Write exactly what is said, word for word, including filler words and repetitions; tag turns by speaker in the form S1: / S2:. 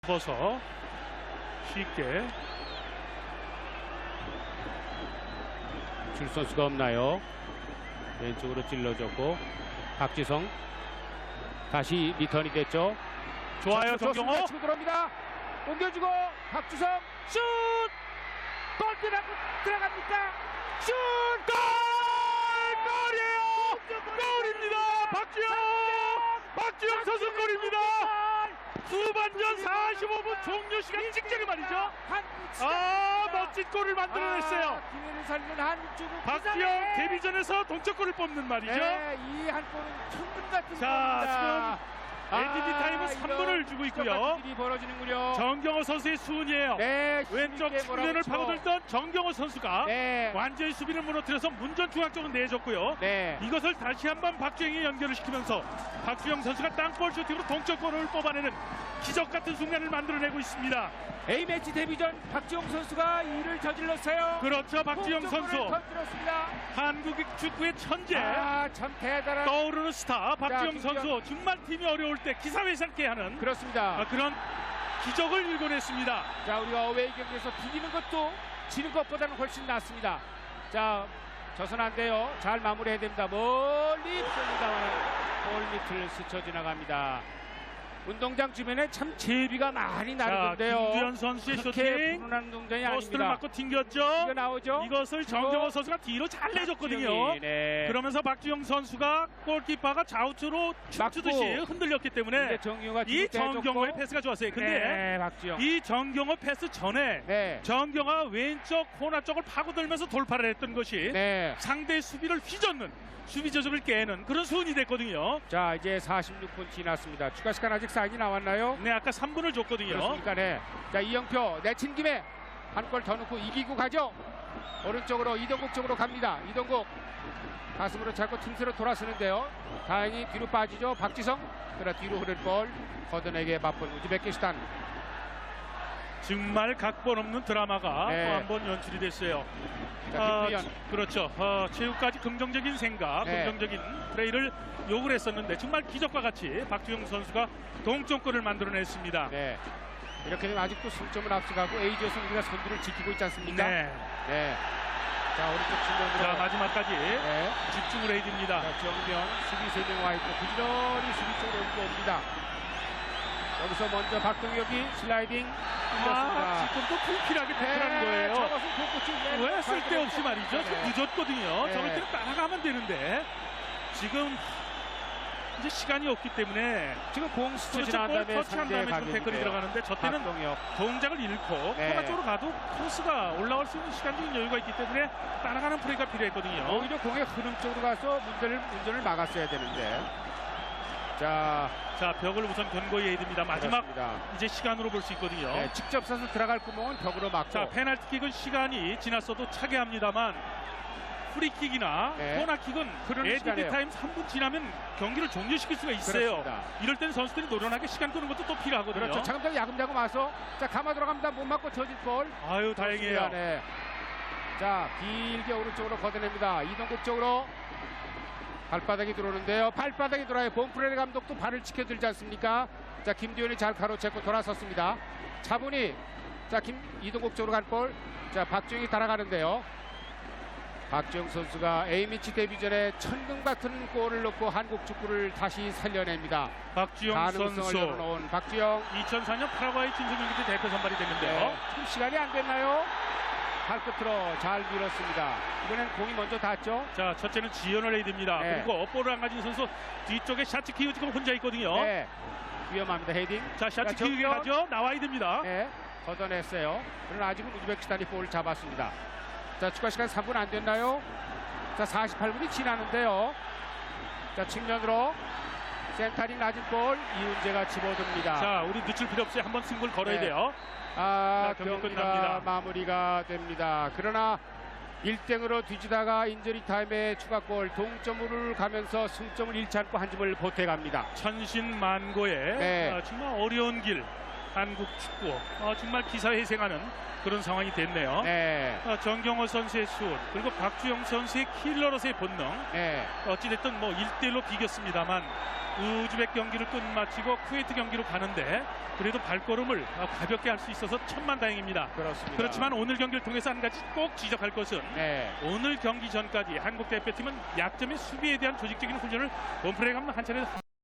S1: 접어서 쉽게
S2: 줄 선수가 없나요? 왼쪽으로 찔러줬고 박지성 다시 리턴이 됐죠.
S1: 좋아요.
S2: 좋습니다.
S1: 정경호
S2: 치고 들어옵니다. 옮겨주고 박지성 슛! 골 들어가, 들어갑니까? 슛! 골!
S1: 골이에요. 골입니다. 박주영 박주영 선수 골입니다. 후반전 사십오 분 종료 시간 직전에 말이죠. 아, 멋진 골을 만들어냈어요.
S2: 아, 기회를 살리는 한국축구
S1: 박주영 데뷔전에서 동점골을 뽑는 말이죠.
S2: 네, 이 한 골은 천금 같은
S1: 자,
S2: 골입니다.
S1: 엔디디 타임은 삼 분을 주고 있고요.
S2: 일이 벌어지는군요.
S1: 정경호 선수의 수훈이에요.
S2: 네,
S1: 왼쪽
S2: 힘있게
S1: 측면을
S2: 몰아붙이고.
S1: 파고들던 정경호 선수가
S2: 네,
S1: 완전히 수비를 무너뜨려서 문전 중앙쪽으로 내줬고요.
S2: 네.
S1: 이것을 다시 한번 박주영이 연결을 시키면서 박주영 선수가 땅볼 슈팅으로 동점골을 뽑아내는 기적 같은 순간을 만들어내고 있습니다.
S2: A매치 데뷔전 박지용 선수가 이를 저질렀어요.
S1: 그렇죠. 박주영 선수
S2: 터뜨렸습니다.
S1: 한국 축구의 천재,
S2: 아, 참 대단한.
S1: 떠오르는 스타 박주영
S2: 자,
S1: 선수 정말 팀이 어려울 때 기사회생케 하는
S2: 그렇습니다.
S1: 아, 그런 기적을 일궈냈습니다.
S2: 자, 우리가 어웨이 경기에서 비기는 것도 지는 것보다는 훨씬 낫습니다. 자, 져선 안 돼요. 잘 마무리해야 됩니다. 멀리 쏩니다만 골 밑을 스쳐 지나갑니다. 운동장 주변에 참 제비가 많이
S1: 자,
S2: 나르던데요.
S1: 김두현 선수의
S2: 그렇게
S1: 슈팅
S2: 불운한 운동장이
S1: 포스트를
S2: 아닙니다.
S1: 맞고 튕겼죠.
S2: 이거 나오죠?
S1: 이것을 정경호 선수가 뒤로 잘 내줬거든요.
S2: 네.
S1: 그러면서 박주영 선수가 골키퍼가 좌우측으로 춤추듯이
S2: 맞고.
S1: 흔들렸기 때문에
S2: 근데 정유가
S1: 이 정경호의 패스가 좋았어요. 근데
S2: 네, 박주영.
S1: 이 정경호 패스 전에
S2: 네.
S1: 정경호가 왼쪽 코너 쪽을 파고들면서 돌파를 했던 것이
S2: 네.
S1: 상대의 수비를 휘젓는 수비 조직을 깨는 그런 수훈이 됐거든요.
S2: 자, 이제 사십육 분 지났습니다. 추가 시간 아직 사인이 나왔나요?
S1: 네, 아까 삼 분을 줬거든요.
S2: 그렇습니까? 네. 자, 이영표 내친 김에 한 골 더 넣고 이기고 가죠. 오른쪽으로 이동국 쪽으로 갑니다. 이동국 가슴으로 잡고 틈새로 돌아서는데요. 다행히 뒤로 빠지죠. 박지성. 그러나 뒤로 흐른 볼 걷어내게 맛본 우즈베키스탄.
S1: 정말 각본 없는 드라마가
S2: 네.
S1: 또 한 번 연출이 됐어요.
S2: 자,
S1: 아,
S2: 김두현.
S1: 그렇죠. 어, 체육까지 긍정적인 생각,
S2: 네.
S1: 긍정적인 플레이를 요구를 했었는데 정말 기적과 같이 박주영 선수가 동점골을 만들어냈습니다.
S2: 네. 이렇게 되면 아직도 승점을 앞서가고 에이지에서 우리가 선두를 지키고 있지 않습니까?
S1: 네.
S2: 네. 자, 오른쪽 측면으로.
S1: 자, 마지막까지
S2: 네.
S1: 집중을 해야 됩니다.
S2: 자, 정면 수비 세 명 와 있고 부지런히 수비 쪽으로 옮겨옵니다. 여기서 먼저 박동혁이 슬라이딩
S1: 아,
S2: 뚫렸습니다.
S1: 지금 또 불필하게 태클한 거예요.
S2: 저것은 복구치
S1: 왜 쓸데없이 말이죠. 좀
S2: 네.
S1: 늦었거든요.
S2: 네.
S1: 저럴 때는 따라가면 되는데 지금 이제 시간이 없기 때문에
S2: 지금 공 스쳐
S1: 그렇죠.
S2: 지난
S1: 볼
S2: 다음에
S1: 터치한
S2: 상대의
S1: 다음에 지금 태클이
S2: 가격인데요.
S1: 들어가는데 저 때는
S2: 박동혁.
S1: 동작을 잃고
S2: 네.
S1: 코너 쪽으로 가도 크로스가 올라올 수 있는 시간적인 여유가 있기 때문에 따라가는 플레이가 필요했거든요.
S2: 오히려 공의 흐름 쪽으로 가서 문제를, 운전을 막았어야 되는데. 자,
S1: 자, 벽을 우선 견고히 해야 됩니다. 마지막
S2: 그렇습니다.
S1: 이제 시간으로 볼 수 있거든요.
S2: 네, 직접 써서 들어갈 구멍은 벽으로 막고.
S1: 자, 페널티킥은 시간이 지났어도 차게 합니다만 프리킥이나
S2: 네.
S1: 코너킥은
S2: 흐르는
S1: 에디드
S2: 시간이에요.
S1: 타임 삼 분 지나면 경기를 종료시킬 수가 있어요.
S2: 그렇습니다.
S1: 이럴 때는 선수들이 노련하게 시간 끄는 것도 또 필요하거든요.
S2: 그렇죠. 차근차근 야금야금 와서 자, 감아 들어갑니다. 못 맞고 저질 볼.
S1: 아유, 다행이에요.
S2: 네. 자, 길게 오른쪽으로 걷어냅니다. 이동국 쪽으로 발바닥이 들어오는데요. 발바닥이 들어와요. 본프레르 감독도 발을 지켜들지 않습니까? 자, 김두현이 잘 가로채고 돌아섰습니다. 차분히 자, 김 이동국 쪽으로 간 볼. 자, 박주영이 따라가는데요. 박주영 선수가 A매치 데뷔전에 천금 같은 골을 넣고 한국 축구를 다시 살려냅니다.
S1: 박주영
S2: 가능성을
S1: 선수
S2: 열어놓은 박주영.
S1: 이천사 년 파라과이 친선경기 때 대표 선발이 됐는데요.
S2: 네. 지금 시간이 안 됐나요? 발끝으로 잘 밀었습니다. 이번엔 공이 먼저 닿았죠.
S1: 자, 첫째는 지연을 해야 됩니다.
S2: 네.
S1: 그리고 업볼을 안 가진 선수 뒤쪽에 샤츠 키우지가 혼자 있거든요.
S2: 네. 위험합니다. 헤딩.
S1: 자, 샤츠
S2: 자,
S1: 키우기
S2: 정면.
S1: 가죠. 나와야 됩니다.
S2: 네. 걷어냈어요. 그러나 아직은 우즈베키스탄이 볼을 잡았습니다. 자, 추가 시간 삼 분 안 됐나요? 자, 사십팔 분이 지나는데요. 자, 측면으로 센터링 낮은 볼 이훈재가 집어듭니다.
S1: 자, 우리 늦출 필요 없이 한번 승부를 걸어야
S2: 네.
S1: 돼요.
S2: 아,
S1: 자, 경기
S2: 경기가
S1: 끝납니다.
S2: 마무리가 됩니다. 그러나 일 대 영으로 뒤지다가 인저리 타임에 추가골 동점으로 가면서 승점을 잃지 않고 한 점을 보태갑니다.
S1: 천신만고의
S2: 네.
S1: 아, 정말 어려운 길 한국 축구 어, 정말 기사회생하는 그런 상황이 됐네요.
S2: 네.
S1: 어, 정경호 선수의 슛 그리고 박주영 선수의 킬러로서의 본능
S2: 네.
S1: 어찌됐든 뭐 일 대 일로 비겼습니다만 우즈벡 경기를 끝마치고 쿠웨이트 경기로 가는데 그래도 발걸음을 어, 가볍게 할 수 있어서 천만다행입니다.
S2: 그렇습니다.
S1: 그렇지만 오늘 경기를 통해서 한 가지 꼭 지적할 것은
S2: 네.
S1: 오늘 경기 전까지 한국 대표팀은 약점인 수비에 대한 조직적인 훈련을 본프레 감독 한 차례